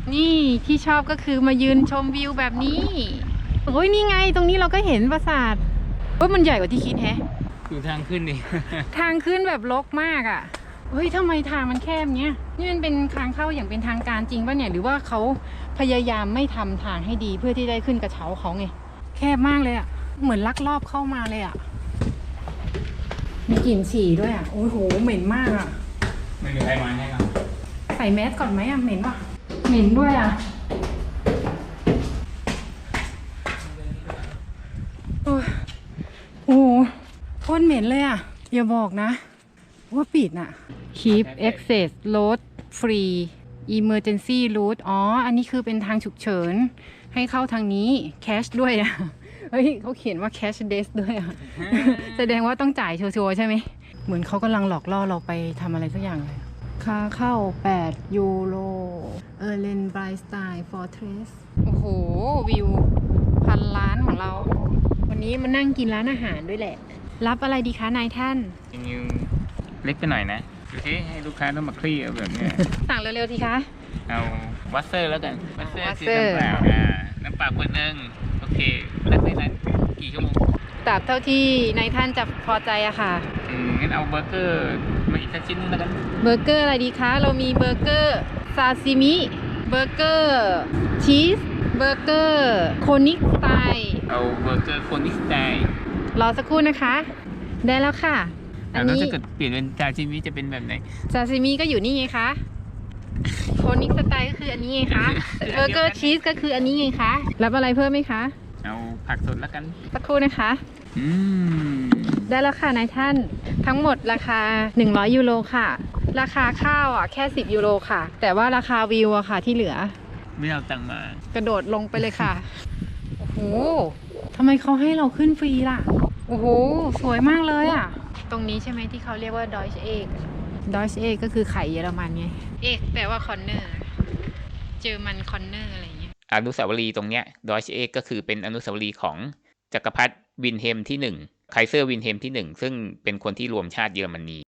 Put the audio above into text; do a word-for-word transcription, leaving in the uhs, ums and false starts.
นี่ที่ชอบก็คือมายืนชมวิวแบบนี้โอ้ยนี่ไงตรงนี้เราก็เห็นปราสาทว่ามันใหญ่กว่าที่คิดแฮะดูทางขึ้นดิทางขึ้นแบบรกมากอ่ะเฮ้ยทำไมทางมันแคบเนี้ยนี่มันเป็นทางเข้าอย่างเป็นทางการจริงป่ะเนี่ยหรือว่าเขาพยายามไม่ทำทางให้ดีเพื่อที่ได้ขึ้นกระเช้าเขาไงแคบมากเลยอ่ะเหมือนลักลอบเข้ามาเลยอ่ะมีกลิ่นฉี่ด้วยอ่ะโอ้โหเหม็นมากอ่ะไม่มีใครมาให้ครับใส่แมสก่อนไหมอ่ะเหม็นป่ะเหม็นด้วยอ่ะโอ้โหโคตรเหม็นเลยอ่ะอย่าบอกนะว่าปิดน่ะ Keep access road free emergency route อ๋ออันนี้คือเป็นทางฉุกเฉินให้เข้าทางนี้ cash ด้วยอ่ะเฮ้ยเขาเขียนว่า cash desk ด้วยอ่ะ แสดงว่าต้องจ่ายชัวร์ๆใช่ไหมเหมือนเขากำลังหลอกล่อเราไปทำอะไรสักอย่างเลยค่าเข้าแปดยูโรเออร์เลนไบรสไตล์ฟอร์เทรสโอ้โหวิวพันล้านของเราวันนี้มานั่งกินร้านอาหารด้วยแหละรับอะไรดีคะนายท่านจริงๆเล็กไปหน่อยนะดูที่ให้ลูกค้าต้องมาคลี่เอาแบบเนี้ยสั่งเร็วๆทีคะเอาวัตเซอร์แล้วกันวัตเซอร์วัตคือเซอร์น้ำเปล่าอ่าน้ำเปล่าขวดหนึงโอเคนักได้นั้นกี่ชั่วโมงตราบเท่าที่นายท่านจะพอใจอะค่ะอืมงั้นเอาเบอร์เกอร์มาอีกสักชิ้นนึงแล้วกันเบอร์เกอร์อะไรดีคะ เรามีเบอร์เกอร์ซาซิมิเบอร์เกอร์ชีสเบอร์เกอร์โคนิกสไตล์เอาเบอร์เกอร์โคนิสไตล์รอสักครู่นะคะ ได้แล้วค่ะ อันแล้วนี้ถ้าเกิดเปลี่ยนเป็นจาชิมิจะเป็นแบบไหนซาซิมิก็อยู่นี่ไงคะโคนิกสไตล์ก็คืออันนี้ไงคะเบอร์เกอร์ชีสก็คืออันนี้ไงคะรับอะไรเพิ่มไหมคะเอาผักสดแล้วกันสักครู่นะคะอืมได้แล้วค่ะนายท่านทั้งหมดราคาหนึ่งร้อยยูโรค่ะราคาข้าวอ่ะแค่สิบยูโรค่ะ แต่ว่าราคาวิวอะค่ะที่เหลือไม่เอาตังค์มากระโดดลงไปเลยค่ะ โอ้โหทำไมเขาให้เราขึ้นฟรีล่ะ โอ้โห สวยมากเลยอ่ะ ตรงนี้ใช่ไหมที่เขาเรียกว่า Deutsche Egg Deutsche Egg ก็คือไข่เยอรมันไง เอกแปลว่าคอนเนอร์ เจอมันคอนเนอร์อะไรเงี้ยอนุสาวรีย์ตรงเนี้ยดอยช์เอกก็คือเป็นอนุสาวรีย์ของจักรพรรดิวินเฮมที่หนึ่งไคเซอร์วินเฮมที่หนึ่งซึ่งเป็นคนที่รวมชาติเยอรมนี